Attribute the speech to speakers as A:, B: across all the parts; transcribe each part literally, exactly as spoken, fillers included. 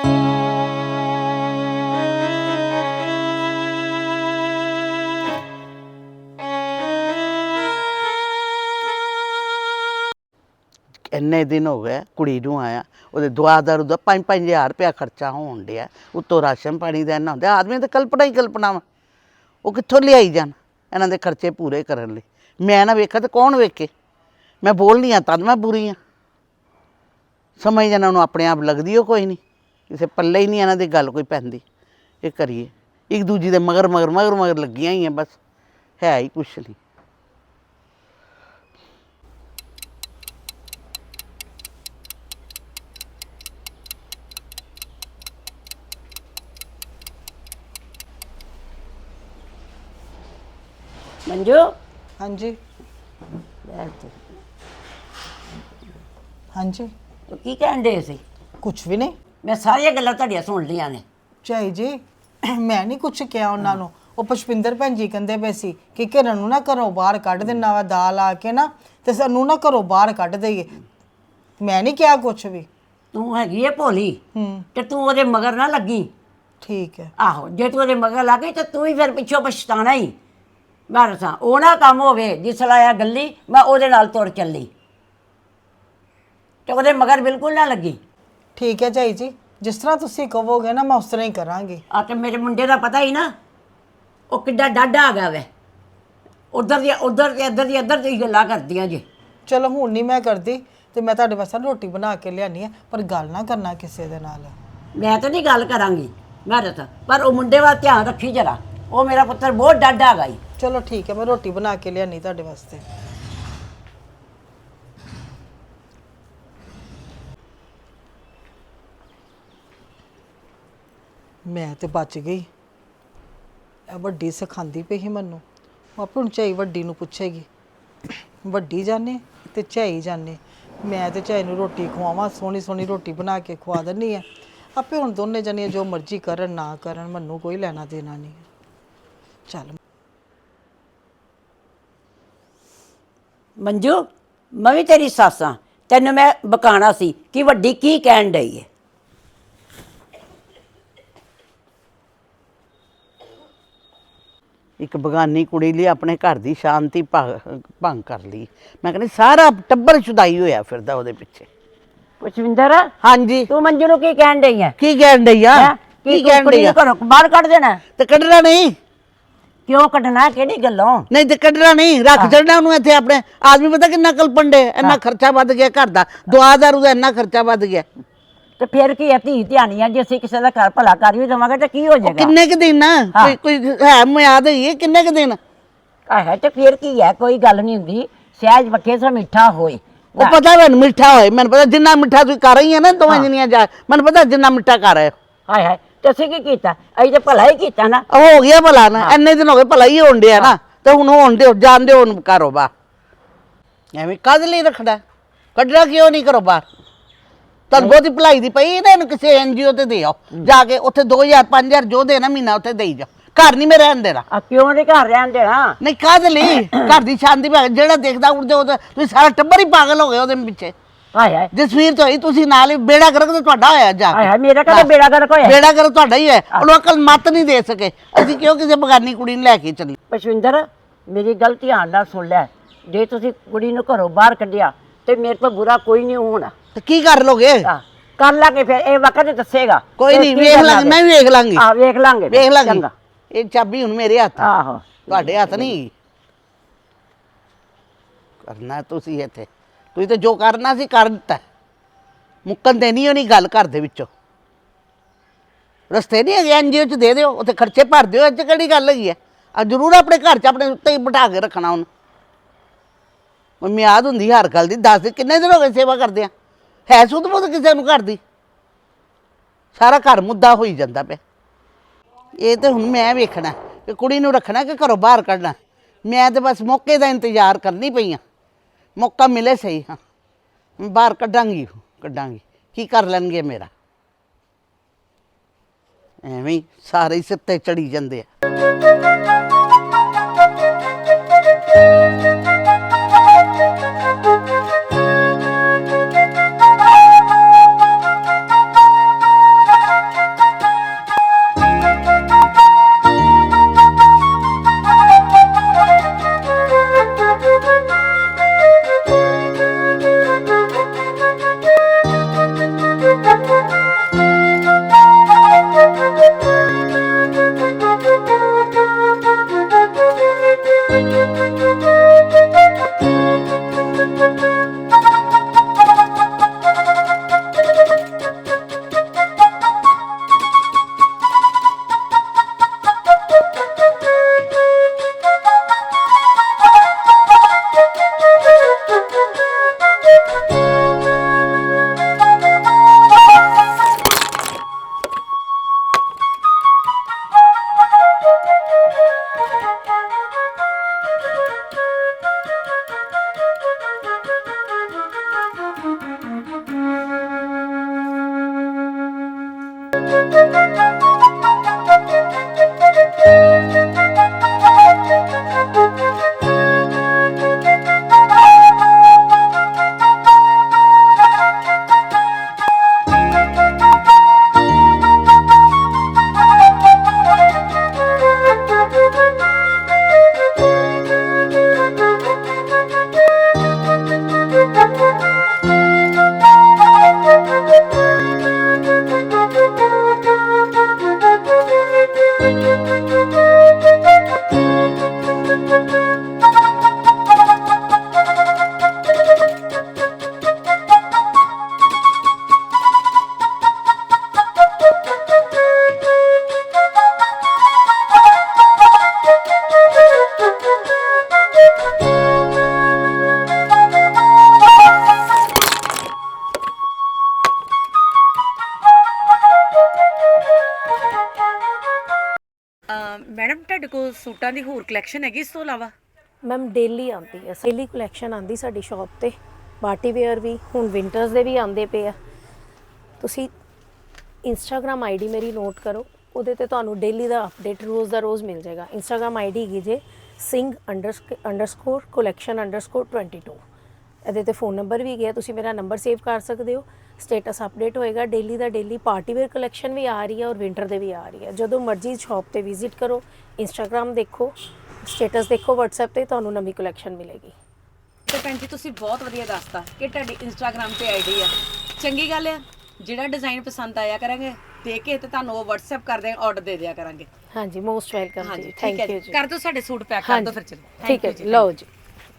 A: ਇੰਨੇ ਦਿਨ ਹੋ ਗਏ ਕੁੜੀ ਨੂੰ ਆਇਆ, ਉਹਦੇ ਦੁਆ ਦਾਰੂ ਦਾ ਪੰਜ ਪੰਜ ਹਜ਼ਾਰ ਰੁਪਇਆ ਖਰਚਾ ਹੋਣ ਡਿਆ, ਉੱਤੋਂ ਰਾਸ਼ਨ ਪਾਣੀ ਦਾ ਇੰਨਾ ਹੁੰਦਾ। ਆਦਮੀ ਤਾਂ ਕਲਪਨਾ ਹੀ ਕਲਪਨਾ ਵਾ, ਉਹ ਕਿੱਥੋਂ ਲਿਆਈ ਜਾਣ ਇਹਨਾਂ ਦੇ ਖਰਚੇ ਪੂਰੇ ਕਰਨ ਲਈ। ਮੈਂ ਨਾ ਵੇਖਾਂ ਤਾਂ ਕੌਣ ਵੇਖੇ। ਮੈਂ ਬੋਲਨੀ ਹਾਂ ਤਦ ਮੈਂ ਬੁਰੀ ਹਾਂ। ਸਮਝ ਇਹਨਾਂ ਨੂੰ ਆਪਣੇ ਆਪ ਲੱਗਦੀ ਉਹ ਕੋਈ ਨਹੀਂ, ਕਿਸੇ ਪੱਲੇ ਹੀ ਨਹੀਂ ਇਹਨਾਂ ਦੀ ਗੱਲ ਕੋਈ ਪੈਂਦੀ। ਇਹ ਕਰੀਏ ਇੱਕ ਦੂਜੀ ਦੇ ਮਗਰ ਮਗਰ ਮਗਰ ਮਗਰ ਲੱਗੀਆਂ ਹੀ ਆ, ਬਸ ਹੈ ਹੀ ਕੁਛ ਨਹੀਂ।
B: मंजू
C: हाँ जी हाँ जी
B: की कहन दे सी?
C: कुछ भी नहीं,
B: मैं सारिया गल्लां तुहाडियां सुन लियां ने।
C: ਝਾਈ ਜੀ ਮੈਂ ਨਹੀਂ ਕੁਛ ਕਿਹਾ ਉਹਨਾਂ ਨੂੰ। ਉਹ ਪੁਸ਼ਪਿੰਦਰ ਭੈਣ ਜੀ ਕਹਿੰਦੇ ਪਏ ਸੀ ਕਿ ਕਿਰਨ ਨੂੰ ਨਾ ਘਰੋਂ ਬਾਹਰ ਕੱਢ ਦੇਣਾ ਵਾ, ਦਾਲ ਆ ਕੇ ਨਾ ਤੇ ਸਾਨੂੰ ਨਾ ਘਰੋਂ ਬਾਹਰ ਕੱਢ ਦੇਈਏ। ਮੈਂ ਨਹੀਂ ਕਿਹਾ ਕੁਛ ਵੀ।
B: ਤੂੰ ਹੈਗੀ ਏ ਭੋਲੀ
C: ਹੂੰ
B: ਤੇ ਤੂੰ ਉਹਦੇ ਮਗਰ ਨਾ ਲੱਗੀ।
C: ਠੀਕ ਹੈ।
B: ਆਹੋ ਜੇ ਤੂੰ ਉਹਦੇ ਮਗਰ ਲੱਗ ਗਈ ਤੇ ਤੂੰ ਹੀ ਫਿਰ ਪਿੱਛੋਂ ਪਛਤਾਣਾ ਹੀ। ਮੈਂ ਦੱਸਾਂ ਉਹ ਨਾ ਕੰਮ ਹੋਵੇ ਜਿਸ ਲਾਇਆ ਗੱਲੀ ਮੈਂ ਉਹਦੇ ਨਾਲ ਤੁਰ ਚੱਲੀ ਤੇ ਉਹਦੇ ਮਗਰ ਬਿਲਕੁਲ ਨਾ ਲੱਗੀ।
C: ਠੀਕ ਹੈ ਝਾਈ ਜੀ, ਜਿਸ ਤਰ੍ਹਾਂ ਤੁਸੀਂ ਕਹੋਗੇ ਨਾ ਮੈਂ ਉਸ ਤਰ੍ਹਾਂ ਹੀ ਕਰਾਂਗੀ।
B: ਆ ਤੇ ਮੇਰੇ ਮੁੰਡੇ ਦਾ ਪਤਾ ਹੀ ਨਾ, ਉਹ ਕਿੱਡਾ ਡਾਢਾ ਆ ਗਿਆ ਵੇ। ਉਧਰ ਦੀ ਉਧਰ ਤੇ ਇੱਧਰ ਦੀ ਇੱਧਰ ਦੀ ਗੱਲਾਂ ਕਰਦੀਆਂ ਜੇ।
C: ਚਲੋ ਹੁਣ ਨਹੀਂ ਮੈਂ ਕਰਦੀ ਤੇ ਮੈਂ ਤੁਹਾਡੇ ਵਾਸਤੇ ਰੋਟੀ ਬਣਾ ਕੇ ਲਿਆਨੀ ਆ, ਪਰ ਗੱਲ ਨਾ ਕਰਨਾ ਕਿਸੇ ਦੇ ਨਾਲ।
B: ਮੈਂ ਤਾਂ ਨਹੀਂ ਗੱਲ ਕਰਾਂਗੀ ਮੈਂ ਦੱਸਾਂ, ਪਰ ਉਹ ਮੁੰਡੇ ਵੱਲ ਧਿਆਨ ਰੱਖੀ ਜਰਾ, ਉਹ ਮੇਰਾ ਪੁੱਤਰ ਬਹੁਤ ਡਾਢਾ ਹੈਗਾ ਈ।
C: ਚਲੋ ਠੀਕ ਹੈ, ਮੈਂ ਰੋਟੀ ਬਣਾ ਕੇ ਲਿਆਨੀ ਤੁਹਾਡੇ ਵਾਸਤੇ। ਮੈਂ ਤੇ ਬਚ ਗਈ। ਇਹ ਵੱਡੀ ਸਿਖਾਉਂਦੀ ਪਈ ਸੀ ਮੈਨੂੰ। ਆਪੇ ਹੁਣ ਝਾਈ ਵੱਡੀ ਨੂੰ ਪੁੱਛੇਗੀ। ਵੱਡੀ ਜਾਣੇ ਤੇ ਝਾਈ ਜਾਣੇ। ਮੈਂ ਤੇ ਝਾਈ ਨੂੰ ਰੋਟੀ ਖਵਾਵਾਂ, ਸੋਹਣੀ ਸੋਹਣੀ ਰੋਟੀ ਬਣਾ ਕੇ ਖਵਾ ਦਿੰਦੀ ਆ। ਆਪੇ ਹੁਣ ਦੋਨੇ ਜਣੀਆਂ ਜੋ ਮਰਜ਼ੀ ਕਰਨ ਨਾ ਕਰਨ, ਮੈਨੂੰ ਕੋਈ ਲੈਣਾ ਦੇਣਾ ਨਹੀਂ। ਚੱਲ
B: ਮੰਜੂ ਮੈਂ ਵੀ ਤੇਰੀ ਸੱਸ ਹਾਂ, ਤੈਨੂੰ ਮੈਂ ਬਕਾਣਾ ਸੀ ਕਿ ਵੱਡੀ ਕੀ ਕਹਿਣ ਡਈ ਹੈ।
A: ਇੱਕ ਬਗਾਨੀ ਕੁੜੀ ਲਈ ਆਪਣੇ ਘਰ ਦੀ ਸ਼ਾਂਤੀ ਭੰਗ ਕਰ ਲਈ। ਮੈਂ ਕਹਿੰਦੀ ਸਾਰਾ ਟੱਬਰ ਛੁਦਾਈ ਹੋਇਆ ਫਿਰਦਾ ਉਹਦੇ ਪਿੱਛੇ।
B: ਪੁਸ਼ਪਿੰਦਰ
A: ਹਾਂਜੀ
B: ਤੂੰ ਮੰਜੂ ਨੂੰ ਕੀ ਕਹਿਣ ਡਈ ਹੈ?
A: ਕੀ ਕਹਿਣ ਡਈ ਆ?
B: ਕੀ ਕਹਿਣ ਡਈ ਆ? ਘਰੋਂ ਬਾਹਰ ਕੱਢ ਦੇਣਾ
A: ਤੇ ਕੱਢਣਾ ਨਹੀਂ।
B: ਕਿਉਂ ਕੱਢਣਾ? ਕਿਹੜੀ ਗੱਲੋਂ?
A: ਨਹੀਂ ਤੇ ਕੱਢਣਾ ਨਹੀਂ, ਰੱਖ ਛੱਡਣਾ ਉਹਨੂੰ ਇੱਥੇ। ਆਪਣੇ ਆਦਮੀ ਪਤਾ ਕਿੰਨਾ ਕਲਪਣ ਡੇ, ਇੰਨਾ ਖਰਚਾ ਵੱਧ ਗਿਆ ਘਰ ਦਾ, ਦੁਆ ਦਾਰੂ ਦਾ ਇੰਨਾ ਖਰਚਾ ਵੱਧ ਗਿਆ।
B: ਤੇ ਫਿਰ ਕੀ ਹੈ, ਧੀ ਧਿਆਨੀਆਂ ਜੇ ਅਸੀਂ ਕਿਸੇ ਦਾ ਘਰ ਭਲਾ ਕਰ ਵੀ ਦੇਵਾਂਗੇ ਤੇ ਕੀ ਹੋ ਜਾਏਗਾ?
A: ਕਿੰਨੇ ਕੁ ਦਿਨ ਕੋਈ ਕੋਈ ਹੈ ਮਿਆਦ ਹੈ, ਕਿੰਨੇ ਕੁ ਦਿਨ
B: ਆਹ ਤੇ ਫਿਰ ਕੀ ਹੈ, ਕੋਈ ਗੱਲ ਨਹੀਂ ਹੁੰਦੀ। ਸਹਿਜ ਪੱਕੇ ਸੋ ਮਿੱਠਾ ਹੋਏ।
A: ਉਹ ਪਤਾ ਮੈਨੂੰ ਮਿੱਠਾ ਹੋਏ, ਮੈਨੂੰ ਪਤਾ ਜਿੰਨਾ ਮਿੱਠਾ ਤੁਸੀਂ ਕਰ ਰਹੀ ਹੈ ਨਾ ਦੋਵੇਂ ਜਣੀਆਂ ਜਾ, ਮੈਨੂੰ ਪਤਾ ਜਿੰਨਾ ਮਿੱਠਾ ਕਰ ਰਹੇ ਹੋ।
B: ਹਾਏ ਹਾਏ ਤੇ ਅਸੀਂ ਕੀ ਕੀਤਾ? ਅਸੀਂ ਤੇ ਭਲਾ ਹੀ ਕੀਤਾ ਨਾ।
A: ਹੋ ਗਿਆ ਭਲਾ ਨਾ, ਇੰਨੇ ਦਿਨ ਹੋ ਗਏ ਭਲਾ ਹੀ ਹੋਣ ਡਿਆ ਨਾ, ਤੇ ਹੁਣ ਹੋਣ ਦਿਓ, ਜਾਣ ਦਿਓ ਉਹਨੂੰ ਕਾਰੋਬਾਰ। ਐਵੇਂ ਕਦ ਲਈ ਰੱਖਣਾ? ਕੱਢਣਾ ਕਿਉਂ ਨਹੀਂ ਕਰੋ ਬਾਹਰ? ਤੁਹਾਨੂੰ ਬਹੁਤੀ ਭਲਾਈ ਦੀ ਪਈ ਨਾ, ਇਹਨੂੰ ਕਿਸੇ ਐਨ ਜੀ ਓ ਤੇ ਦੇ ਆਓ ਜਾ ਕੇ, ਉੱਥੇ ਦੋ ਹਜ਼ਾਰ ਪੰਜ ਹਜ਼ਾਰ ਜੋ ਦੇਣਾ ਮਹੀਨਾ ਉੱਥੇ ਦੇਈ ਜਾਓ। ਘਰ ਨਹੀਂ ਮੈਂ ਰਹਿਣ ਦੇਣਾ।
B: ਆ ਕਿਉਂ ਨਹੀਂ ਘਰ ਰਹਿਣ ਦੇਣਾ?
A: ਨਹੀਂ ਕਾਹਦੇ ਲਈ? ਘਰ ਦੀ ਸ਼ਾਂਤੀ ਭਾਗ ਜਿਹੜਾ ਦੇਖਦਾ ਉੜਦੇ ਉਹ ਤੁਸੀਂ ਸਾਰਾ ਟੱਬਰ ਹੀ ਪਾਗਲ ਹੋ ਗਏ ਉਹਦੇ ਪਿੱਛੇ।
B: ਹਾਏ ਹਾਏ
A: ਜਸਵੀਰ ਤੋਂ ਹੀ ਤੁਸੀਂ ਨਾਲ ਹੀ ਬੇੜਾ ਗਰਕ ਤੇ ਤੁਹਾਡਾ ਹੋਇਆ ਜਾ
B: ਹਾਏ ਹਾਏ ਮੇਰਾ ਕਦੇ ਬੇੜਾ ਗਰਕ ਹੋਇਆ?
A: ਬੇੜਾ ਗਰਕ ਤੁਹਾਡਾ ਹੀ ਹੈ। ਉਹਨੂੰ ਅਕਲ ਮੱਤ ਨਹੀਂ ਦੇ ਸਕੇ, ਅਸੀਂ ਕਿਉਂ ਕਿਸੇ ਬਗਾਨੀ ਕੁੜੀ ਨੂੰ ਲੈ ਕੇ ਚੱਲੀ?
B: ਪੁਸ਼ਪਿੰਦਰ ਮੇਰੀ ਗੱਲ ਧਿਆਨ ਨਾਲ ਸੁਣ ਲੈ, ਜੇ ਤੁਸੀਂ ਕੁੜੀ ਨੂੰ ਘਰੋਂ ਬਾਹਰ ਕੱਢਿਆ ਤੇ ਮੇਰੇ ਤੋਂ ਬੁਰਾ ਕੋਈ ਨਹੀਂ ਹੋਣਾ।
A: ਤੇ ਕੀ ਕਰ ਲੋਗੇ?
B: ਕਰ ਲਾਂਗੇ ਫਿਰ, ਇਹ ਵਕਤ ਦੱਸੇਗਾ।
A: ਕੋਈ ਨਹੀਂ, ਵੇਖ ਲਾਂਗੇ, ਮੈਂ ਵੀ ਵੇਖ ਲਾਂਗੀ।
B: ਹਾਂ ਵੇਖ ਲਾਂਗੇ,
A: ਵੇਖ ਲਾਂਗੀ। ਇਹ ਚਾਬੀ ਹੁਣ ਮੇਰੇ ਹੱਥ,
B: ਆਹੋ
A: ਤੁਹਾਡੇ ਹੱਥ ਨਹੀਂ। ਕਰਨਾ ਤੁਸੀਂ ਇੱਥੇ, ਤੁਸੀਂ ਤੇ ਜੋ ਕਰਨਾ ਸੀ ਕਰ ਦਿੱਤਾ। ਮੁੱਕਣ ਤੇ ਨਹੀਂ ਹੋਣੀ ਗੱਲ ਘਰ ਦੇ ਵਿੱਚੋਂ। ਰਸਤੇ ਨਹੀਂ ਹੈਗੇ, ਐਨ ਜੀ ਓ ਚ ਦੇ ਦਿਓ, ਉੱਥੇ ਖਰਚੇ ਭਰ ਦਿਓ। ਇਹ 'ਚ ਕਿਹੜੀ ਗੱਲ ਹੈਗੀ ਹੈ? ਆ ਜ਼ਰੂਰ ਆਪਣੇ ਘਰ 'ਚ ਆਪਣੇ ਉੱਤੇ ਹੀ ਬਿਠਾ ਕੇ ਰੱਖਣਾ ਉਹਨੂੰ। ਮਿਆਦ ਹੁੰਦੀ ਹਰ ਗੱਲ ਦੀ। ਦੱਸ ਦਿਨ ਕਿੰਨੇ ਦਿਨ ਹੋ ਗਏ ਸੇਵਾ ਕਰਦੇ ਆ, ਹੈ ਸੁਧ ਬੁੱਧ ਕਿਸੇ ਨੂੰ ਘਰ ਦੀ? ਸਾਰਾ ਘਰ ਮੁੱਦਾ ਹੋਈ ਜਾਂਦਾ ਪਿਆ। ਇਹ ਤੇ ਹੁਣ ਮੈਂ ਵੇਖਣਾ ਕਿ ਕੁੜੀ ਨੂੰ ਰੱਖਣਾ ਕਿ ਘਰੋਂ ਬਾਹਰ ਕੱਢਣਾ। ਮੈਂ ਤੇ ਬਸ ਮੌਕੇ ਦਾ ਇੰਤਜ਼ਾਰ ਕਰਨੀ ਪਈ ਹਾਂ, ਮੌਕਾ ਮਿਲੇ ਸਹੀ। ਹਾਂ ਬਾਹਰ ਕੱਢਾਂਗੀ, ਕੱਢਾਂਗੀ। ਕੀ ਕਰ ਲੈਣਗੇ ਮੇਰਾ? ਐਵੇਂ ਹੀ ਸਾਰੇ ਸਿਰ ਤੇ ਚੜੀ ਜਾਂਦੇ ਆ।
D: ਮੈਡਮ ਤੁਹਾਡੇ ਕੋਲ ਸੂਟਾਂ ਦੀ ਹੋਰ ਕਲੈਕਸ਼ਨ ਹੈਗੀ ਇਸ ਤੋਂ ਇਲਾਵਾ?
E: ਮੈਮ ਡੇਲੀ ਆਉਂਦੀ ਹੈ, ਡੇਲੀ ਕਲੈਕਸ਼ਨ ਆਉਂਦੀ ਸਾਡੀ ਸ਼ਾਪ ਤੇ। ਪਾਰਟੀ ਵੇਅਰ ਵੀ, ਹੁਣ ਵਿੰਟਰਸ ਦੇ ਵੀ ਆਉਂਦੇ ਪਏ ਆ। ਤੁਸੀਂ ਇੰਸਟਾਗ੍ਰਾਮ ਆਈਡੀ ਮੇਰੀ ਨੋਟ ਕਰੋ, ਉਹਦੇ ਤੇ ਤੁਹਾਨੂੰ ਡੇਲੀ ਦਾ ਅਪਡੇਟ ਰੋਜ਼ ਦਾ ਰੋਜ਼ ਮਿਲ ਜਾਏਗਾ। ਇੰਸਟਾਗ੍ਰਾਮ ਆਈਡੀ ਹੈਗੀ J Singh underscore collection underscore twenty two. ਇਹਦੇ ਤੇ ਫ਼ੋਨ ਨੰਬਰ ਵੀ ਗਿਆ, ਤੁਸੀਂ ਮੇਰਾ ਨੰਬਰ ਸੇਵ ਕਰ ਸਕਦੇ ਹੋ। ਸਟੇਟਸ ਅਪਡੇਟ ਹੋਏਗਾ ਡੇਲੀ ਦਾ ਡੇਲੀ। ਪਾਰਟੀ ਵੇਅਰ ਕਲੈਕਸ਼ਨ ਵੀ ਆ ਰਹੀ ਹੈ ਔਰ ਵਿੰਟਰ ਦੇ ਵੀ ਆ ਰਹੀ ਹੈ। ਜਦੋਂ ਮਰਜ਼ੀ ਸ਼ਾਪ ਤੇ ਵਿਜ਼ਿਟ ਕਰੋ, ਇੰਸਟਾਗ੍ਰਾਮ ਦੇਖੋ, ਸਟੇਟਸ ਦੇਖੋ WhatsApp ਤੇ, ਤੁਹਾਨੂੰ ਨਵੀਂ ਕਲੈਕਸ਼ਨ ਮਿਲੇਗੀ।
D: ਤੇ ਭੈਣ ਜੀ ਤੁਸੀਂ ਬਹੁਤ ਵਧੀਆ ਦੱਸਤਾ ਕਿ ਤੁਹਾਡੀ ਇੰਸਟਾਗ੍ਰਾਮ ਤੇ ਆਈਡੀ ਆ। ਚੰਗੀ ਗੱਲ ਆ, ਜਿਹੜਾ ਡਿਜ਼ਾਈਨ ਪਸੰਦ ਆਇਆ ਕਰਾਂਗੇ ਦੇਖ ਕੇ ਤੇ ਤੁਹਾਨੂੰ ਉਹ WhatsApp ਕਰ ਦੇ ਆਰਡਰ ਦੇ ਦਿਆ ਕਰਾਂਗੇ।
E: ਹਾਂਜੀ, ਮੋਸਟ ਵੈਲਕਮ
D: ਹਾਂਜੀ
E: ਜੀ,
D: ਠੀਕ
E: ਥੈਂਕ
D: ਹੈ
E: ਯੂ
D: ਜੀ,
E: ਜੀ।
D: ਕਰ ਦਿਓ ਸਾਡੇ ਸੂਟ ਪੈਕ ਕਰ ਦਿਓ ਫਿਰ ਚਲੋ।
E: ਠੀਕ ਹੈ ਜੀ, ਲਓ ਜੀ।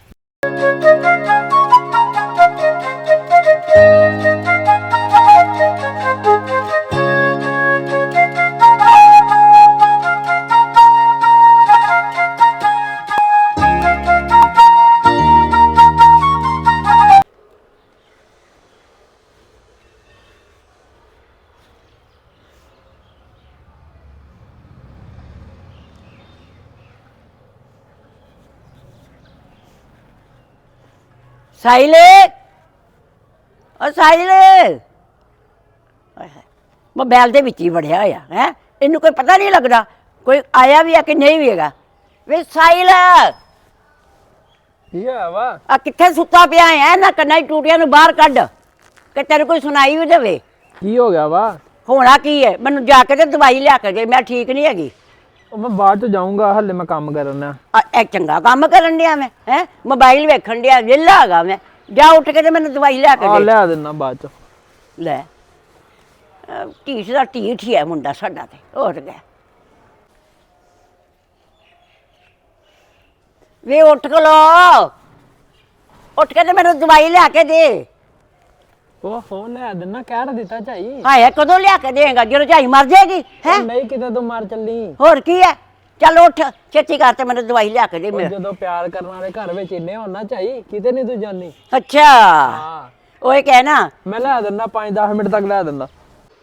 B: ਸਾਹਿਲ, ਓ ਸਾਹਿਲ, ਹਾਏ ਹਾਏ, ਮੋਬਾਈਲ ਦੇ ਵਿੱਚ ਹੀ ਵੜਿਆ ਹੋਇਆ ਹੈ। ਇਹਨੂੰ ਕੋਈ ਪਤਾ ਨਹੀਂ ਲੱਗਦਾ ਕੋਈ ਆਇਆ ਵੀ ਆ ਕਿ ਨਹੀਂ ਵੀ ਹੈਗਾ। ਵੇ ਸਾਹਿਲ,
F: ਕੀ ਹੈ ਵਾ?
B: ਆ ਕਿੱਥੇ ਸੁੱਤਾ ਪਿਆ ਹੈ? ਨਾ ਕੰਨਾਂ ਦੀ ਟੂਟੀਆਂ ਨੂੰ ਬਾਹਰ ਕੱਢ ਕਿ ਤੈਨੂੰ ਕੋਈ ਸੁਣਾਈ ਵੀ ਦੇਵੇ।
F: ਕੀ ਹੋ ਗਿਆ ਵਾ?
B: ਹੋਣਾ ਕੀ ਹੈ, ਮੈਨੂੰ ਜਾ ਕੇ ਤੇ ਦਵਾਈ ਲਿਆ ਕੇ ਦੇ, ਮੈਂ ਠੀਕ ਨਹੀਂ ਹੈਗੀ।
F: ਉਹ ਮੈਂ ਬਾਅਦ ਚ ਜਾਊਂਗਾ, ਹੱਲੇ ਮੈਂ ਕੰਮ ਕਰਨਾ।
B: ਆ ਇਹ ਚੰਗਾ ਕੰਮ ਕਰਨ ਡਿਆ ਮੈਂ ਹੈ, ਮੋਬਾਈਲ ਵੇਖਣ ਡਿਆ, ਵਿਹਲਾ ਹੈਗਾ ਮੈਂ। ਜਾ ਉੱਠ ਕੇ ਤੇ ਮੈਨੂੰ ਦਵਾਈ ਲਿਆ ਕੇ
F: ਆ
B: ਦੇ।
F: ਲਿਆ ਦਿੰਦਾ ਬਾਅਦ ਚ।
B: ਲੈ ਅਹ ਢੀਠ ਦਾ ਢੀਠ ਹੀ ਹੈ ਮੁੰਡਾ ਸਾਡਾ ਤੇ, ਹੋਰ ਗਿਆ। ਵੇ ਉੱਠ ਕੇ ਲੋ, ਉੱਠ ਕੇ ਤੇ ਮੈਨੂੰ ਦਵਾਈ ਲਿਆ ਕੇ ਦੇ।
F: ਉਹ ਹੋ ਲਿਆ ਦਿੰਦਾ, ਕਹਿ ਤਾਂ ਦਿੱਤਾ ਝਾਈ।
B: ਹਾਏ ਕਦੋਂ ਲਿਆ ਕੇ ਦੇਗਾ, ਜਦੋਂ ਝਾਈ ਮਰ ਜਾਏਗੀ ਹੈ?
F: ਉਹ ਨਹੀਂ, ਕਿਤੇ ਤੂੰ ਮਰ ਚੱਲੀ।
B: ਹੋਰ ਕੀ ਹੈ, ਚੱਲ ਉੱਠ ਛੇਤੀ ਕਰ ਤੇ ਮੈਨੂੰ ਦਵਾਈ ਲਿਆ ਕੇ ਦੇ
F: ਉਹ
B: ਮੇਰਾ।
F: ਜਦੋਂ ਪਿਆਰ ਕਰਨ ਵਾਲੇ ਘਰ ਵਿੱਚ ਇੰਨੇ ਹੋਣ ਨਾ ਝਾਈ, ਕਿਤੇ ਨਹੀਂ ਤੂੰ ਜਾਨੀ।
B: ਅੱਛਾ,
F: ਹਾਂ,
B: ਉਹ ਇਹ ਕਹਿ ਨਾ
F: ਮੈਂ ਲਿਆ ਦਿੰਦਾ, ਪੰਜ ਦਸ ਮਿੰਟ ਤੱਕ ਲਿਆ ਦਿੰਦਾ।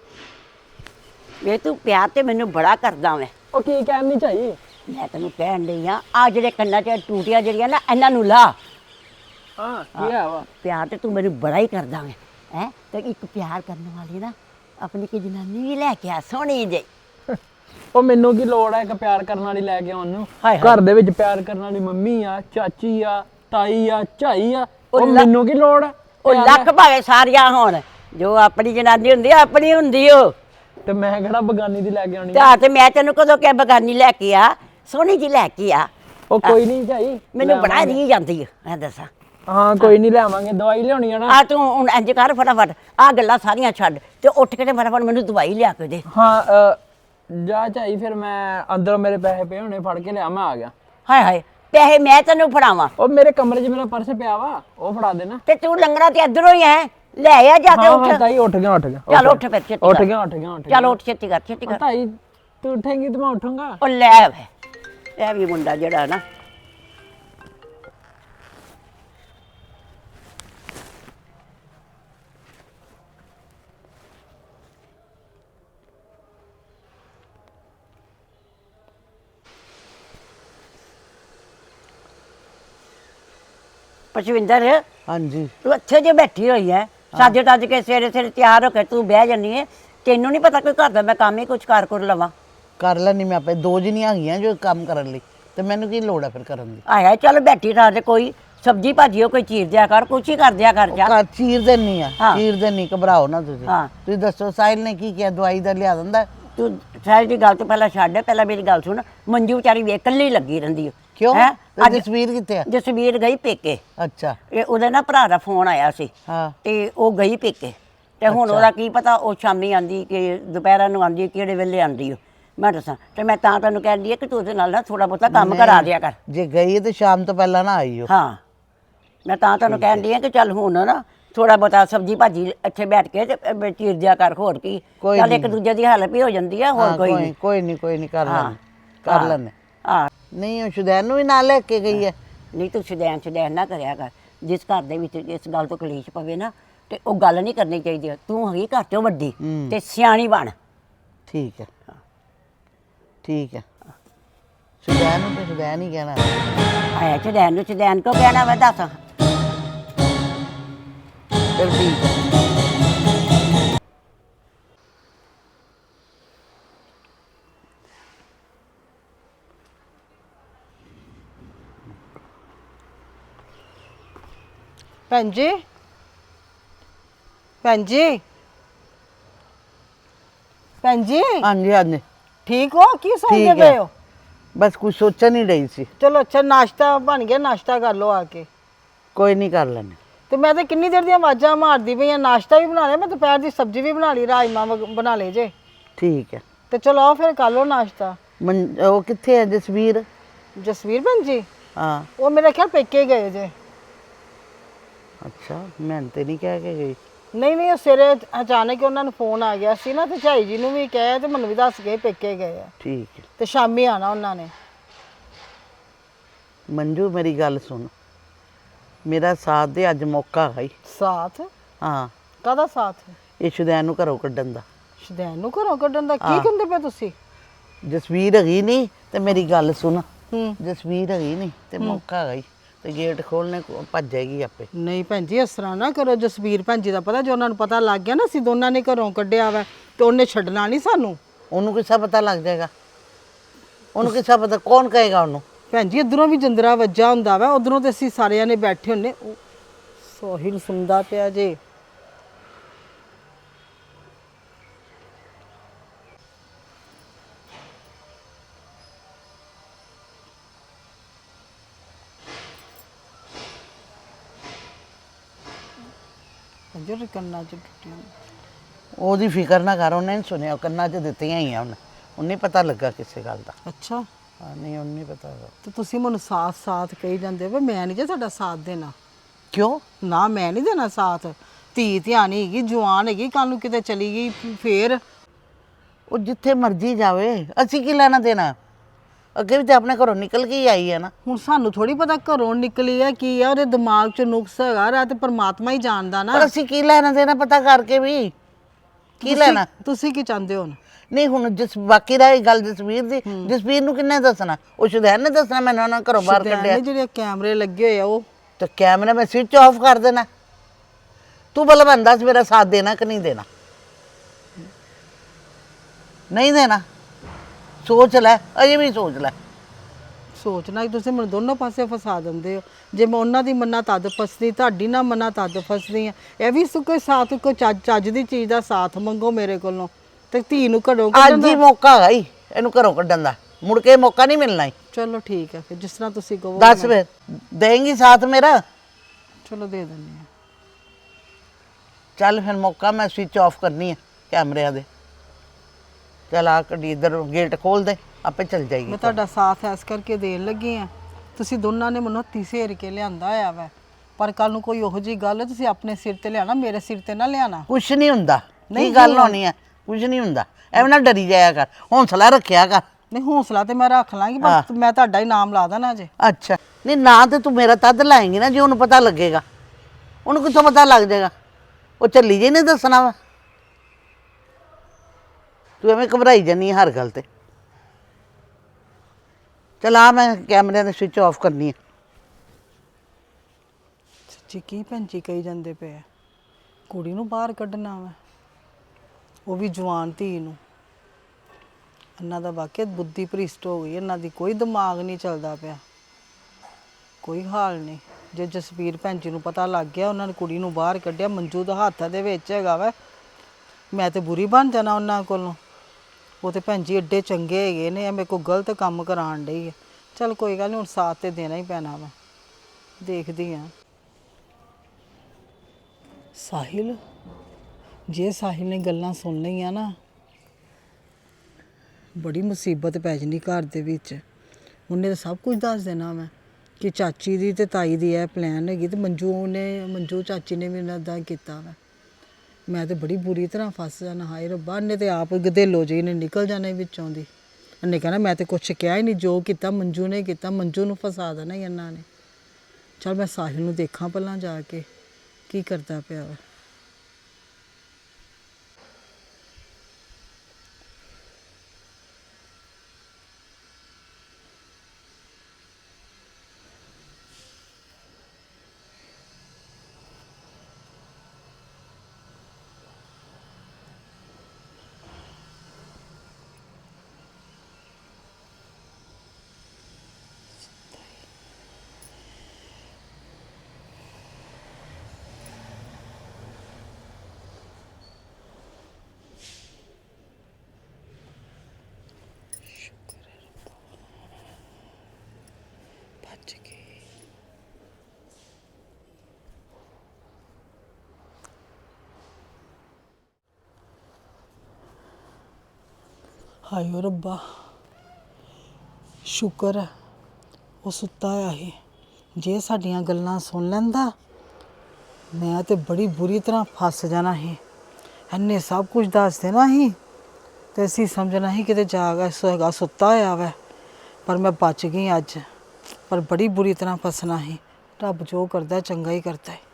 B: ਵੇ ਤੂੰ ਪਿਆਰ ਤੇ ਮੈਨੂੰ ਬੜਾ ਕਰਦਾ ਮੈਂ।
F: ਉਹ ਕੀ ਕਹਿਣੀ ਝਾਈ?
B: ਮੈਂ ਤੈਨੂੰ ਕਹਿਣ ਡਈ ਆ, ਆ ਜਿਹੜੇ ਕੰਨਾਂ 'ਚ ਟੂਟੀਆਂ ਜਿਹੜੀਆਂ ਨਾ ਇਹਨਾਂ ਨੂੰ ਲਾ।
F: ਹਾਂ, ਕੀ ਹੈ ਵਾ?
B: ਪਿਆਰ ਤੇ ਤੂੰ ਮੈਨੂੰ ਬੜਾ ਹੀ ਕਰਦਾ ਮੈਂ ਹੈ। ਤੇ ਇੱਕ ਪਿਆਰ ਕਰਨ ਵਾਲੀ ਨਾ ਆਪਣੀ ਕੀ ਜਨਾਨੀ ਵੀ ਲੈ ਕੇ ਆ, ਸੋਹਣੀ ਜਿਹੀ।
F: ਉਹ ਮੈਨੂੰ ਕੀ ਲੋੜ ਹੈ ਇੱਕ ਪਿਆਰ ਕਰਨ ਵਾਲੀ ਲੈ ਕੇ ਆਉਣ ਨੂੰ?
B: ਹਾਏ ਹਾਏ।
F: ਘਰ ਦੇ ਵਿੱਚ ਪਿਆਰ ਕਰਨ ਵਾਲੀ ਮੰਮੀ ਆ, ਚਾਚੀ ਆ, ਤਾਈ ਆ, ਝਾਈ ਆ।
B: ਉਹ
F: ਉਹ
B: ਲ-
F: ਮੈਨੂੰ ਕੀ ਲੋੜ ਹੈ?
B: ਉਹ ਲੱਖ ਭਾਵੇਂ ਸਾਰੀਆਂ ਹੋਣ, ਜੋ ਆਪਣੀ ਜਨਾਨੀ ਹੁੰਦੀ ਆ ਆਪਣੀ ਹੁੰਦੀ ਓ।
F: ਤੇ ਮੈਂ ਕਿਹੜਾ ਬਗਾਨੀ ਦੀ ਲੈ ਕੇ ਆਉਣੀ?
B: ਤੇ ਆ ਤੇ ਮੈਂ ਤੈਨੂੰ ਕਦੋਂ ਕਿਹਾ ਬਗਾਨੀ ਲੈ ਕੇ ਆ, ਸੋਹਣੀ ਜਿਹੀ ਲੈ ਕੇ ਆ।
F: ਉਹ ਕੋਈ ਨਹੀਂ ਝਾਈ,
B: ਮੈਨੂੰ ਬੜਾ
F: ਲਿਆਵਾਂਗੇ।
B: ਰੀ ਜਾਂਦੀ ਆ, ਮੈਂ ਦੱਸਾਂ।
F: ਹਾਂ ਕੋਈ ਨਹੀਂ, ਲਿਆਵਾਂਗੇ। ਦਵਾਈ ਲਿਆਉਣੀ ਆ ਨਾ?
B: ਆ ਤੂੰ ਹੁਣ ਇੰਜ ਕਰ, ਫਟਾਫਟ ਆ ਗੱਲਾਂ ਸਾਰੀਆਂ ਛੱਡ ਤੇ ਉੱਠ ਕੇ ਤੇ ਫਟਾਫਟ ਮੈਨੂੰ ਦਵਾਈ ਲਿਆ ਕੇ ਦੇ।
F: ਹਾਂ ਅ, ਜਾ ਝਾਈ, ਫਿਰ ਮੈਂ ਅੰਦਰੋਂ ਮੇਰੇ ਪੈਸੇ ਪਏ ਹੋਣੇ, ਫੜ ਕੇ ਲਿਆ, ਮੈਂ ਆ ਗਿਆ।
B: ਹਾਏ ਹਾਏ, ਪੈਸੇ ਮੈਂ ਤੈਨੂੰ ਫੜਾਵਾਂ?
F: ਉਹ ਮੇਰੇ ਕਮਰੇ 'ਚ ਮੇਰਾ ਪਰਸ ਪਿਆ ਵਾ, ਉਹ ਫੜਾ ਦੇਣਾ।
B: ਤੇ ਤੂੰ ਲੰਗੜਾ ਤੇ ਇੱਧਰੋਂ ਹੀ ਹੈ, ਲੈ ਆ ਜਾ ਕੇ
F: ਹਾਂ
B: ਉੱਠ।
F: ਹਾਂ ਤਾਈ, ਉੱਠ ਗਿਆ ਉੱਠ ਗਿਆ
B: ਚੱਲ ਉੱਠ ਫਿਰ, ਛੇਤੀ
F: ਉੱਠ
B: ਕਰ।
F: ਗਿਆ ਉੱਠ ਗਿਆ ਉੱਠ ਗਿਆ।
B: ਚੱਲ ਉੱਠ, ਛੇਤੀ ਕਰ, ਛੇਤੀ
F: ਉਹ
B: ਕਰ।
F: ਤਾਈ ਤੂੰ ਉੱਠੇਂਗੀ ਤੇ ਮੈਂ ਉੱਠੂੰਗਾ।
B: ਉਹ ਲੈ ਵੇ, ਇਹ ਵੀ ਮੁੰਡਾ ਜਿਹੜਾ ਨਾ ਪਸ਼ਵਿੰਦਰ,
A: ਹਾਂਜੀ।
B: ਤੂੰ ਇੱਥੇ ਜੇ ਬੈਠੀ ਹੋਈ ਹੈ, ਸੱਜ ਟੱਜ ਕੇ ਸਵੇਰੇ ਸਵੇਰੇ ਤਿਆਰ ਹੋ ਕੇ ਤੂੰ ਬਹਿ ਜੰਨੀ ਹੈ। ਤੈਨੂੰ ਨਹੀਂ ਪਤਾ ਕੋਈ ਘਰ ਦਾ ਮੈਂ ਕੰਮ ਹੀ ਕੁਝ ਕਰ ਕਰ ਲਵਾਂ।
A: ਕਰ ਲੈਣੀ ਮੈਂ ਆਪੇ, ਦੋ ਜਣੀਆਂ ਹੈਗੀਆਂ ਜੋ ਕੰਮ ਕਰਨ ਲਈ, ਤੇ ਮੈਨੂੰ ਕੀ ਲੋੜ ਹੈ ਫਿਰ ਕਰਨ ਦੀ।
B: ਆਇਆ ਚੱਲ ਬੈਠੀ ਰਾਤ ਦੇ ਕੋਈ ਸਬਜੀ ਭਾਜੀ ਕੋਈ ਚੀਰ ਦਿਆ ਕਰ, ਕੁਛ ਹੀ ਕਰ ਦਿਆ ਕਰ ਜਾ।
A: ਘਰ ਚੀਰ ਦੇਣੀ ਆ,
B: ਹਾਂ।
A: ਚੀਰ ਦੇਣੀ, ਘਬਰਾਓ ਨਾ ਤੁਸੀਂ।
B: ਹਾਂ।
A: ਤੁਸੀਂ ਦੱਸੋ ਸਾਹਿਲ ਨੇ ਕੀ ਕਿਹਾ, ਦਵਾਈ ਦਾ ਲਿਆ ਦਿੰਦਾ?
B: ਤੂੰ ਸਾਰੀ ਦੀ ਗੱਲ ਤੋਂ ਪਹਿਲਾਂ ਛੱਡ, ਪਹਿਲਾਂ ਮੇਰੀ ਗੱਲ ਸੁਣ। ਮੰਜੂ ਵਿਚਾਰੀ ਵੇ ਇਕੱਲੀ ਲੱਗੀ ਰਹਿੰਦੀ ਓ।
A: ਕਿਉਂ?
B: ਹੈਂ?
A: ਤੇ
B: ਅੱਜ
A: ਜਸਵੀਰ ਕਿੱਥੇ ਆ?
B: ਜਸਵੀਰ ਗਈ ਪੇਕੇ।
A: ਅੱਛਾ।
B: ਇਹ ਉਹਦੇ ਨਾ ਭਰਾ ਦਾ ਫੋਨ ਆਇਆ ਸੀ
A: ਹਾਂ।
B: ਤੇ ਉਹ ਗਈ ਪੇਕੇ, ਤੇ ਹੁਣ ਉਹਦਾ ਕੀ ਪਤਾ ਉਹ ਸ਼ਾਮੀ ਆਂਦੀ ਕਿ ਦੁਪਹਿਰਾਂ ਨੂੰ ਆਂਦੀ, ਕਿਹੜੇ ਵੇਲੇ ਆਂਦੀ ਓ ਮੈਂ ਦੱਸਾਂ। ਤੇ ਮੈਂ ਤਾਂ ਤੈਨੂੰ ਕਹਿੰਦੀ ਆ ਕਿ ਤੂੰ ਉਹਦੇ ਨਾਲ ਨਾ ਥੋੜਾ ਬਹੁਤਾ ਕੰਮ ਕਰਾ ਦਿਆ ਕਰ।
A: ਜੇ ਗਈ ਹੈ ਤੇ ਸ਼ਾਮ ਤੋਂ ਪਹਿਲਾਂ ਨਾ ਆਈਓ।
B: ਹਾਂ, ਮੈਂ ਤਾਂ ਤੈਨੂੰ ਕਹਿੰਦੀ ਆ ਕਿ ਚੱਲ ਹੁਣ ਨਾ ਥੋੜਾ ਬਹੁਤਾ ਸਬਜੀ ਭਾਜੀ ਇੱਥੇ ਬੈਠ ਕੇ ਤੇ ਚੀਰ ਦਿਆ ਕਰ। ਹੋਰ ਕੀ,
A: ਕੋਈ
B: ਚੱਲ
A: ਨੀ।
B: ਇੱਕ ਦੂਜੇ ਦੀ ਹੈਲਪ ਹੀ ਹੋ ਜਾਂਦੀ ਆ। ਹੋਰ
A: ਹਾਂ,
B: ਕੋਈ
A: ਕੋਈ
B: ਨਹੀਂ।
A: ਕੋਈ ਨਹੀਂ ਕੋਈ ਨਹੀਂ ਕਰ
B: ਹਾਂ।
A: ਲੈਣੇ, ਕਰ ਲੈਣੇ।
B: ਹਾਂ,
A: ਨਹੀਂ ਉਹ ਸ਼ੁਦੈਨ ਨੂੰ ਵੀ ਨਾਲ ਲੈ ਕੇ ਗਈ ਹੈ।
B: ਨਹੀਂ ਤੂੰ ਸ਼ੁਦੈਨ ਸ਼ੁਦੈਨ ਨਾ ਕਰਿਆ ਕਰ। ਜਿਸ ਘਰ ਦੇ ਵਿੱਚ ਇਸ ਗੱਲ ਤੋਂ ਕਲੇਸ਼ ਪਵੇ ਨਾ, ਤੇ ਉਹ ਗੱਲ ਨਹੀਂ ਕਰਨੀ ਚਾਹੀਦੀ। ਤੂੰ ਹੈਗੀ ਘਰ ਚੋਂ ਵੱਡੀ ਤੇ ਸਿਆਣੀ ਬਣ।
A: ਠੀਕ ਹੈ, ਠੀਕ ਹੈ। ਸ਼ੁਦੈਨ ਨੂੰ ਤੇ ਸ਼ੁਦੈਨ ਹੀ ਕਹਿਣਾ।
B: ਆਇਆ ਸ਼ੁਦੈਨ ਨੂੰ ਸ਼ੁਦੈਨ ਕੋ ਕਹਿਣਾ ਵਾ ਦੱਸ।
A: ਚਲ ਠੀਕ ਹੈ।
C: ਭੈਣ ਜੀ, ਭੈਣ ਜੀ, ਭੈਣ ਜੀ,
A: ਹਾਂਜੀ ਹਾਂਜੀ
C: ਠੀਕ ਹੋ? ਕੀ ਸੋਚਦੇ
A: ਠੀਕ
C: ਪਏ
A: ਹੈ।
C: ਹੋ?
A: ਬਸ ਕੁਝ ਸੋਚਣ ਹੀ ਰਹੀ ਸੀ।
C: ਚਲੋ ਅੱਛਾ, ਨਾਸ਼ਤਾ ਬਣ ਗਿਆ, ਨਾਸ਼ਤਾ ਕਰ ਲਓ ਆ ਕੇ।
A: ਕੋਈ ਨਹੀਂ, ਕਰ ਲੈਣੇ।
C: ਤੇ ਮੈਂ ਤਾਂ ਕਿੰਨੀ ਦੇਰ ਦੀਆਂ ਆਵਾਜ਼ਾਂ ਮਾਰਦੀ ਪਈ ਆ, ਨਾਸ਼ਤਾ ਵੀ ਬਣਾ ਲਿਆ ਮੈਂ, ਦੁਪਹਿਰ ਦੀ ਸਬਜ਼ੀ ਵੀ ਬਣਾ ਲਈ, ਰਾਜਮਾ ਬਣਾ ਲਏ ਜੇ।
A: ਠੀਕ ਹੈ।
C: ਤੇ ਚਲੋ ਆਓ ਫਿਰ ਕਰ ਲਓ ਨਾਸ਼ਤਾ।
A: ਮਨ ਉਹ ਕਿੱਥੇ ਹੈ ਜਸਵੀਰ?
C: ਜਸਵੀਰ ਭੈਣ ਜੀ,
A: ਹਾਂ।
C: ਉਹ ਮੇਰੇ ਖਿਆਲ ਪੇਕੇ ਗਏ ਜੇ।
A: ਅੱਛਾ, ਮੈਂ ਤੇ ਨਹੀਂ ਕਹਿ ਕੇ ਗਈ।
C: ਨਹੀਂ ਨਹੀਂ, ਉਹ ਸਵੇਰੇ ਅਚਾਨਕ ਉਹਨਾਂ ਨੂੰ ਫੋਨ ਆ ਗਿਆ ਸੀ ਨਾ, ਤੇ ਝਾਈ ਜੀ ਨੂੰ ਵੀ ਕਿਹਾ ਤੇ ਮੈਨੂੰ ਵੀ ਦੱਸ ਗਏ ਪੇਕੇ ਗਏ ਆ,
A: ਠੀਕ ਹੈ।
C: ਤੇ ਸ਼ਾਮੀ ਆਣਾ ਉਹਨਾਂ ਨੇ।
A: ਮੰਜੂ ਮੇਰੀ ਗੱਲ ਸੁਣ, ਮੇਰਾ ਸਾਥ ਦੇ, ਅੱਜ ਮੌਕਾ ਹੈ।
C: ਸਾਥ?
A: ਹਾਂ।
C: ਕਾਹਦਾ ਸਾਥ?
A: ਇਹ ਸ਼ੁਦੈਨ ਨੂੰ ਘਰੋਂ ਕੱਢਣ ਦਾ।
C: ਸ਼ੁਦੈਨ ਨੂੰ ਘਰੋਂ ਕੱਢਣ ਦਾ? ਕੀ ਕਹਿੰਦੇ ਪਏ ਤੁਸੀਂ?
A: ਜਸਵੀਰ ਹੈਗੀ ਨਹੀਂ ਤੇ ਮੇਰੀ ਗੱਲ ਸੁਣ,
C: ਹੂੰ।
A: ਜਸਵੀਰ ਹੈਗੀ ਨਹੀਂ ਤੇ ਮੌਕਾ ਹੈਗਾ ਤੇ ਗੇਟ ਖੋਲਣੇ ਭੱਜ ਜਾਏਗੀ ਆਪੇ।
C: ਨਹੀਂ ਭੈਣ ਜੀ, ਇਸ ਤਰ੍ਹਾਂ ਨਾ ਕਰੋ। ਜਸਵੀਰ ਭੈਣ ਜੀ ਦਾ ਪਤਾ, ਜੇ ਉਹਨਾਂ ਨੂੰ ਪਤਾ ਲੱਗ ਗਿਆ ਨਾ ਅਸੀਂ ਦੋਨਾਂ ਨੇ ਘਰੋਂ ਕੱਢਿਆ ਵਾ, ਤੇ ਉਹਨੇ ਛੱਡਣਾ ਨਹੀਂ ਸਾਨੂੰ।
A: ਉਹਨੂੰ ਕਿਸਾ ਪਤਾ ਲੱਗ ਜਾਏਗਾ? ਉਹਨੂੰ ਕਿਸਾ ਪਤਾ? ਕੌਣ ਕਹੇਗਾ ਉਹਨੂੰ?
C: ਭੈਣ ਜੀ ਇੱਧਰੋਂ ਵੀ ਜੰਦਰਾ ਵੱਜਾ ਹੁੰਦਾ ਵਾ, ਉਧਰੋਂ ਤੇ ਅਸੀਂ ਸਾਰਿਆਂ ਨੇ ਬੈਠੇ ਹੁੰਨੇ। ਉਹ ਸੋਹਿਲ ਸੁਣਦਾ ਪਿਆ ਜੇ। ਜੋ ਕੰਨਾਂ ਚ ਟੁੱਟੀਆਂ।
A: ਉਹਦੀ ਫਿਕਰ ਨਾ ਕਰ, ਉਹਨੇ ਨਹੀਂ ਸੁਣਿਆ, ਕੰਨਾਂ 'ਚ ਦਿੱਤੀਆਂ ਹੀ ਆ ਉਹਨੇ। ਉਹਨੇ ਪਤਾ ਲੱਗਾ ਕਿਸੇ ਗੱਲ ਦਾ।
C: ਅੱਛਾ,
A: ਹਾਂ, ਨਹੀਂ ਉਹਨੂੰ ਨਹੀਂ ਪਤਾ ਹੈਗਾ।
C: ਤੇ ਤੁਸੀਂ ਮੈਨੂੰ ਸਾਥ ਸਾਥ ਕਹੀ ਜਾਂਦੇ ਹੋ, ਮੈਂ ਨਹੀਂ ਜੇ ਤੁਹਾਡਾ ਸਾਥ ਦੇਣਾ।
A: ਕਿਉਂ?
C: ਨਾ, ਮੈਂ ਨਹੀਂ ਦੇਣਾ ਸਾਥ। ਧੀ ਧਿਆਣੀ ਹੈਗੀ, ਜਵਾਨ ਹੈਗੀ, ਕੱਲ ਨੂੰ ਕਿਤੇ ਚਲੀ ਗਈ ਫੇਰ।
A: ਉਹ ਜਿੱਥੇ ਮਰਜ਼ੀ ਜਾਵੇ, ਅਸੀਂ ਕੀ ਲੈਣਾ ਦੇਣਾ? ਅੱਗੇ ਵੀ ਤੇ ਆਪਣੇ ਘਰੋਂ ਨਿਕਲ ਕੇ ਹੀ ਆਈ ਹੈ ਨਾ।
C: ਹੁਣ ਸਾਨੂੰ ਥੋੜੀ ਪਤਾ ਘਰੋਂ ਨਿਕਲੀ ਹੈ ਕੀ ਆ, ਉਹਦੇ ਦਿਮਾਗ 'ਚ ਨੁਕਸ ਹੈਗਾ ਰਾ, ਤੇ ਪਰਮਾਤਮਾ ਹੀ ਜਾਣਦਾ ਨਾ।
A: ਪਰ ਅਸੀਂ ਕੀ ਲੈਣਾ ਦੇਣਾ ਪਤਾ ਕਰਕੇ ਵੀ? ਕੀ
C: ਤੁਸੀਂ-
A: ਲੈਣਾ?
C: ਤੁਸੀਂ ਕੀ ਚਾਹੁੰਦੇ ਹੋ ਹੁਣ?
A: ਨਹੀਂ ਹੁਣ ਜਿਸ ਬਾਕੀ ਦਾ ਇਹ ਗੱਲ ਜਸਵੀਰ ਦੀ, ਜਸਵੀਰ ਨੂੰ ਕਿੰਨੇ ਦੱਸਣਾ? ਉਹ ਸ਼ੁਦੈਨ ਨੇ ਦੱਸਣਾ ਮੈਨੂੰ ਉਹਨਾਂ ਘਰੋਂ ਬਾਹਰ
C: ਸ਼ੁਦੈਨ
A: ਕੱਢਿਆ?
C: ਨੇ ਜਿਹੜੇ ਕੈਮਰੇ ਲੱਗੇ ਹੋਏ ਆ ਉਹ।
A: ਤੇ ਕੈਮਰਾ ਮੈਂ ਸਵਿਚ ਆਫ ਕਰ ਦੇਣਾ? ਤੂੰ ਭਲਾ ਮੈਨੂੰ ਦੱਸ, ਮੇਰਾ ਸਾਥ ਦੇਣਾ ਕਿ ਨਹੀਂ ਦੇਣਾ? ਨਹੀਂ ਦੇਣਾ? ਸੋਚ ਲੈ, ਅਜੇ ਵੀ ਸੋਚ ਲੈ।
C: ਸੋਚਣਾ ਕਿ ਤੁਸੀਂ ਮੈਨੂੰ ਦੋਨੋਂ ਪਾਸੇ ਫਸਾ ਦਿੰਦੇ ਹੋ। ਜੇ ਮੈਂ ਉਹਨਾਂ ਦੀ ਮੰਨਾ ਤਦ ਫਸਦੀ, ਤੁਹਾਡੀ ਨਾ ਮੰਨਾ ਤਦ ਫਸਦੀ ਆ। ਇਹ ਵੀ ਕੋਈ ਸਾਥ, ਕੋਈ ਚੱਜ ਚੱਜ ਦੀ ਚੀਜ਼ ਦਾ ਸਾਥ ਮੰਗੋ ਮੇਰੇ ਕੋਲੋਂ, ਤੇ ਧੀ ਨੂੰ ਘਰੋਂ ਕੱਢਣ
A: ਅੱਜ ਹੀ
C: ਦਾ।
A: ਮੌਕਾ ਹੈਗਾ ਈ ਇਹਨੂੰ ਘਰੋਂ ਕੱਢਣ ਦਾ, ਮੁੜ ਕੇ ਮੌਕਾ ਨਹੀਂ ਮਿਲਣਾ ਈ।
C: ਚਲੋ ਠੀਕ ਹੈ ਫਿਰ, ਜਿਸ ਤਰ੍ਹਾਂ ਤੁਸੀਂ ਕਹੋ।
A: ਦੱਸ ਫਿਰ, ਦੇਂਗੀ ਸਾਥ ਮੇਰਾ?
C: ਚਲੋ ਦੇ ਦਿੰਦੇ ਆ।
A: ਚੱਲ ਫਿਰ, ਮੌਕਾ ਮੈਂ ਸਵਿਚ ਆਫ ਕਰਨੀ ਹੈ ਕੈਮਰਿਆਂ ਦੇ। ਚੱਲ ਆ ਕੱਢੀ, ਇੱਧਰ ਗੇਟ ਖੋਲ ਦੇ, ਆਪੇ ਚੱਲ ਜਾਏਗੀ।
C: ਮੈਂ ਤੁਹਾਡਾ ਸਾਥ ਐਸ ਕਰਕੇ ਦੇਣ ਲੱਗੀ ਆ। ਤੁਸੀਂ ਦੋਨਾਂ ਨੇ ਮੈਨੂੰ ਹੱਥੀਂ ਸੇਰ ਕੇ ਲਿਆਂਦਾ ਹੋਇਆ ਵਾ, ਪਰ ਕੱਲ ਨੂੰ ਕੋਈ ਉਹੋ ਜੀ ਗੱਲ ਤੁਸੀਂ ਆਪਣੇ ਸਿਰ ਤੇ ਲਿਆਣਾ, ਮੇਰੇ ਸਿਰ ਤੇ ਨਾ ਲਿਆਣਾ।
A: ਕੁਛ ਨਹੀਂ ਹੁੰਦਾ।
C: ਨਹੀਂ
A: ਨਹੀਂ ਗੱਲ
C: ਹੋਣਾ।
A: ਹੋਣੀ ਹੈ, ਕੁਝ ਨਹੀਂ ਹੁੰਦਾ। ਐਵੇਂ ਨਾ ਡਰੀ ਜਾਇਆ ਕਰ, ਹੌਂਸਲਾ ਰੱਖਿਆ ਕਰ।
C: ਨਹੀਂ, ਹੌਸਲਾ ਤੇ ਮੈਂ ਰੱਖ ਲਾਂਗੀ,
A: ਹਾਂ।
C: ਪਰ ਮੈਂ ਤੁਹਾਡਾ ਹੀ ਨਾਮ ਲਾ ਦੇਣਾ ਜੇ।
A: ਅੱਛਾ, ਨਹੀਂ ਨਾ ਤੇ ਤੂੰ ਮੇਰਾ ਤਦ ਲਾਏਂਗੀ ਨਾ ਜੇ ਉਹਨੂੰ ਪਤਾ ਲੱਗੇਗਾ। ਉਹਨੂੰ ਕਿੱਥੋਂ ਪਤਾ ਲੱਗ ਜਾਏਗਾ? ਉਹ ਚੱਲੀ ਜੇ ਨਹੀਂ ਦੱਸਣਾ ਵਾ। ਤੂੰ ਐਵੇਂ ਘਬਰਾਈ ਜਾਨੀ ਹਰ ਗੱਲ ਤੇ। ਚਲ ਆ, ਮੈਂ ਕੈਮਰਿਆਂ ਦੇ ਸਵਿਚ ਆਫ ਕਰਨੀ ਹੈ।
C: ਸੱਚੀ ਕੀ ਭੈਣ ਜੀ ਕਹੀ ਜਾਂਦੇ ਪਏ ਆ? ਕੁੜੀ ਨੂੰ ਬਾਹਰ ਕੱਢਣਾ ਵਾ? ਉਹ ਵੀ ਜਵਾਨ ਧੀ ਨੂੰ। ਇਹਨਾਂ ਦਾ ਵਾਕਿਆ ਬੁੱਧੀ ਭ੍ਰਿਸ਼ਟ ਹੋ ਗਈ, ਇਹਨਾਂ ਦੀ ਕੋਈ ਦਿਮਾਗ ਨਹੀਂ ਚੱਲਦਾ ਪਿਆ, ਕੋਈ ਹਾਲ ਨਹੀਂ। ਜੇ ਜਸਵੀਰ ਭੈਣ ਜੀ ਨੂੰ ਪਤਾ ਲੱਗ ਗਿਆ, ਉਹਨਾਂ ਨੇ ਕੁੜੀ ਨੂੰ ਬਾਹਰ ਕੱਢਿਆ, ਮੰਜੂ ਦਾ ਹੱਥ ਦੇ ਵਿੱਚ ਹੈਗਾ ਵਾ, ਮੈਂ ਤੇ ਬੁਰੀ ਬਣ ਜਾਣਾ ਉਹਨਾਂ ਕੋਲੋਂ। ਉਹ ਤੇ ਭੈਣ ਜੀ ਐਡੇ ਚੰਗੇ ਹੈਗੇ ਨੇ, ਇਹ ਮੇਰੇ ਕੋਲ ਗਲਤ ਕੰਮ ਕਰਾਉਣ ਡਈ ਹੈ। ਚੱਲ ਕੋਈ ਗੱਲ ਨਹੀਂ, ਹੁਣ ਸਾਥ ਤੇ ਦੇਣਾ ਹੀ ਪੈਣਾ ਵਾ, ਦੇਖਦੀ ਹਾਂ। ਸਾਹਿਲ, ਜੇ ਸਾਹਿਲ ਨੇ ਗੱਲਾਂ ਸੁਣ ਲਈਆਂ ਨਾ, ਬੜੀ ਮੁਸੀਬਤ ਪੈ ਜਾਣੀ ਘਰ ਦੇ ਵਿੱਚ। ਉਹਨੇ ਤਾਂ ਸਭ ਕੁਝ ਦੱਸ ਦੇਣਾ ਮੈਂ ਕਿ ਚਾਚੀ ਦੀ ਤੇ ਤਾਈ ਦੀ ਇਹ ਪਲਾਨ ਹੈਗੀ, ਤੇ ਮੰਜੂ ਨੇ ਮੰਜੂ ਚਾਚੀ ਨੇ ਵੀ ਇਹਨਾਂ ਦਾ ਕੀਤਾ ਵਾ। ਮੈਂ ਤੇ ਬੜੀ ਬੁਰੀ ਤਰ੍ਹਾਂ ਫਸ ਜਾਣਾ। ਹਾਏ ਰੱਬਾ, ਇਹਨੇ ਤੇ ਆਪ ਗਧੇਲੋ ਜਿਹੀ ਨੇ ਨਿਕਲ ਜਾਣਾ ਵਿੱਚੋਂ ਦੀ। ਇਹਨੇ ਕਹਿਣਾ ਮੈਂ ਤੇ ਕੁਛ ਕਿਹਾ ਹੀ ਨਹੀਂ, ਜੋ ਕੀਤਾ ਮੰਜੂ ਨੇ ਕੀਤਾ, ਮੰਜੂ ਨੂੰ ਫਸਾ ਦੇਣਾ ਹੀ ਇਹਨਾਂ ਨੇ। ਚਲ ਮੈਂ ਸਾਹਿਲ ਨੂੰ ਦੇਖਾਂ ਪਹਿਲਾਂ ਜਾ ਕੇ ਕੀ ਕਰਦਾ ਪਿਆ ਵਾ। ਹਾਏ ਓ ਰੱਬਾ, ਸ਼ੁਕਰ ਹੈ ਉਹ ਸੁੱਤਾ ਹੋਇਆ ਸੀ। ਜੇ ਸਾਡੀਆਂ ਗੱਲਾਂ ਸੁਣ ਲੈਂਦਾ, ਮੈਂ ਤੇ ਬੜੀ ਬੁਰੀ ਤਰ੍ਹਾਂ ਫਸ ਜਾਣਾ ਸੀ। ਇਹਨੇ ਸਭ ਕੁਝ ਦੱਸ ਦੇਣਾ ਸੀ ਤੇ ਅਸੀਂ ਸਮਝਣਾ ਸੀ ਕਿਤੇ ਜਾਗ ਹੈਗਾ, ਸੁੱਤਾ ਹੋਇਆ ਵੈ। ਪਰ ਮੈਂ ਬਚ ਗਈ ਅੱਜ, ਪਰ ਬੜੀ ਬੁਰੀ ਤਰ੍ਹਾਂ ਫਸਣਾ ਸੀ। ਰੱਬ ਜੋ ਕਰਦਾ ਚੰਗਾ ਹੀ ਕਰਦਾ ਹੈ।